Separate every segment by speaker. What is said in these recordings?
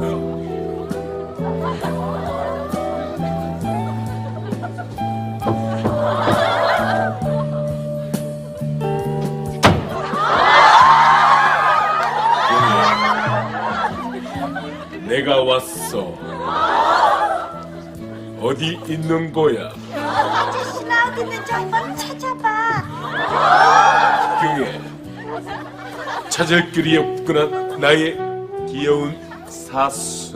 Speaker 1: 내가 왔어. 어디 있는 거야?
Speaker 2: 아저씨 나 어디 있는지 한번 찾아봐.
Speaker 1: 경혜, 찾을 길이 없구나. 나의 귀여운 사수.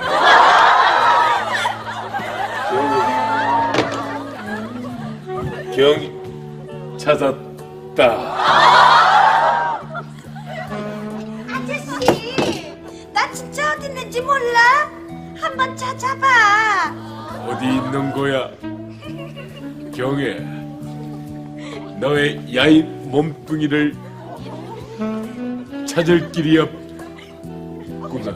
Speaker 1: 경희 찾았다.
Speaker 2: 아저씨 나 진짜 어디 있는지 몰라. 한번 찾아봐.
Speaker 1: 어디 있는 거야? 경혜, 너의 야인 몸뚱이를 찾을 길이 없구나.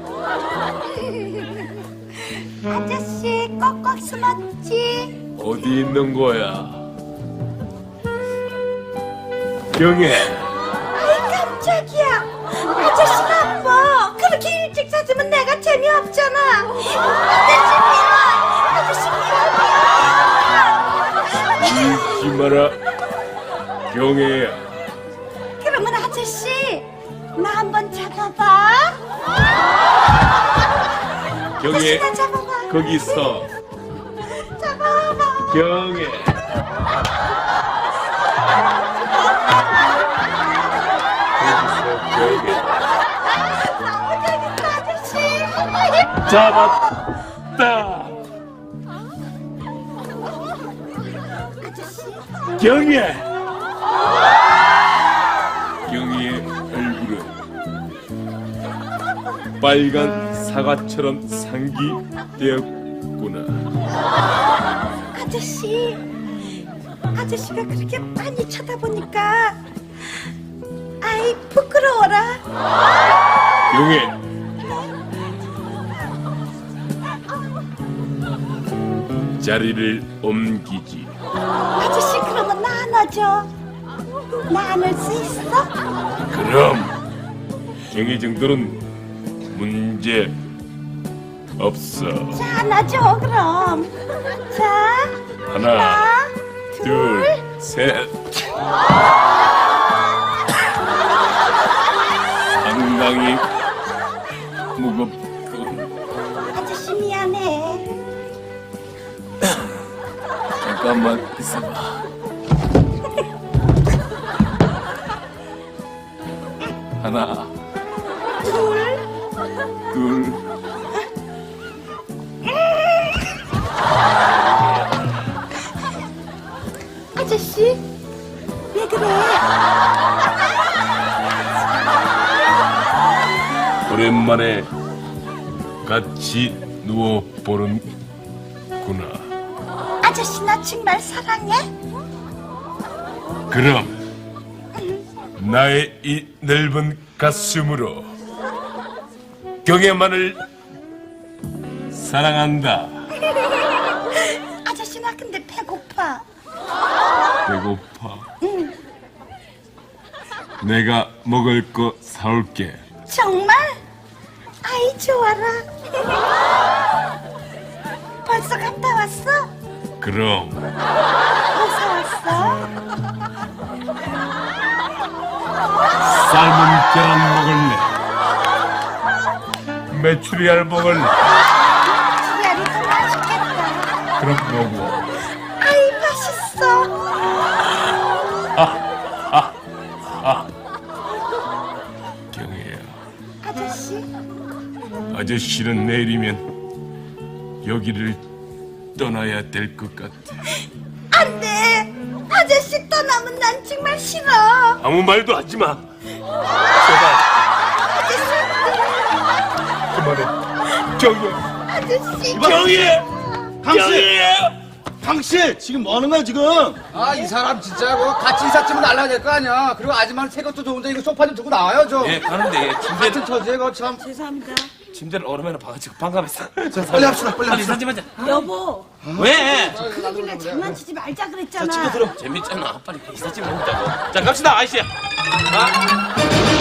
Speaker 2: 아저씨 꼭꼭 숨었지.
Speaker 1: 어디 있는 거야? 경혜,
Speaker 2: 아이 깜짝이야. 아저씨 나빠. 그렇게 일찍 찾으면 내가 재미없잖아. 아저씨 미워. 아저씨 미워.
Speaker 1: 울지 마라. 경혜야.
Speaker 2: 그러면 아저씨 나 한번 잡아봐.
Speaker 1: 경혜,
Speaker 2: 아저씨 나 잡아봐.
Speaker 1: 거기서.
Speaker 2: 잡아봐.
Speaker 1: 경혜. 거기서 경혜.
Speaker 2: 너무 재밌다 아저씨.
Speaker 1: 잡았다. 경혜. 경혜의 얼굴은 빨간 사과처럼 상기되었구나.
Speaker 2: 아저씨가 그렇게 많이 쳐다보니까 아이 부끄러워라.
Speaker 1: 경혜, 자리를 옮기지.
Speaker 2: 아저씨 그러면 나 안아줘. 나 안을 수 있어?
Speaker 1: 그럼 경혜 정도는 문제 없어.
Speaker 2: 자 안아줘 그럼. 자
Speaker 1: 하나,
Speaker 2: 둘.
Speaker 1: 둘, 셋. 상당히 무겁군.
Speaker 2: 아저씨 미안해.
Speaker 1: 잠깐만 있어봐. 하나,
Speaker 2: 둘.
Speaker 1: 둘.
Speaker 2: 아저씨 왜 그래?
Speaker 1: 오랜만에 같이 누워보는구나.
Speaker 2: 아저씨 나 정말 사랑해?
Speaker 1: 그럼 나의 이 넓은 가슴으로 경혜만을 사랑한다.
Speaker 2: 아저씨 나 근데 배고파.
Speaker 1: 배고파? 내가 먹을 거 사올게.
Speaker 2: 정말? 아이 좋아라. 벌써 갔다 왔어?
Speaker 1: 그럼
Speaker 2: 어디서 왔어?
Speaker 1: 삶은 계란 먹을래? 메추리알 먹을래?
Speaker 2: 지리알이 더 맛있겠다.
Speaker 1: 그럼 먹어.
Speaker 2: 아이 맛있어.
Speaker 1: 경혜야,
Speaker 2: 아저씨
Speaker 1: 아저씨는 내일이면 여기를 떠나야 될 것 같아.
Speaker 2: 안돼. 아저씨 떠나면 난 정말 싫어.
Speaker 1: 아무 말도 하지 마. 제발
Speaker 2: 아저씨
Speaker 1: 그만해. 경혜,
Speaker 2: 아저씨
Speaker 1: 경혜,
Speaker 3: 당신!
Speaker 1: 경혜.
Speaker 3: 당신 지금 뭐 하는 거야 지금?
Speaker 4: 아, 이 사람 진짜 그 같이 이삿짐을 날라야 될 거 아니야. 그리고 아줌마는 새 것도 좋은데 이거 소파 좀 두고 나와요 좀.
Speaker 5: 예, 가는데 예,
Speaker 4: 같은 처지에 그 참.
Speaker 5: 침대를 얼음에나 박아치고 반갑했어.
Speaker 3: 빨리 합시다 빨리
Speaker 5: 빨리
Speaker 3: 합시다.
Speaker 5: 사진 하자.
Speaker 2: 여보
Speaker 5: 왜?
Speaker 2: 그러길래 장난치지 말자 그랬잖아.
Speaker 5: 찍어 들어. 재밌잖아. 빨리 이삿짐 먹자. 자, 갑시다, 아이씨. 아.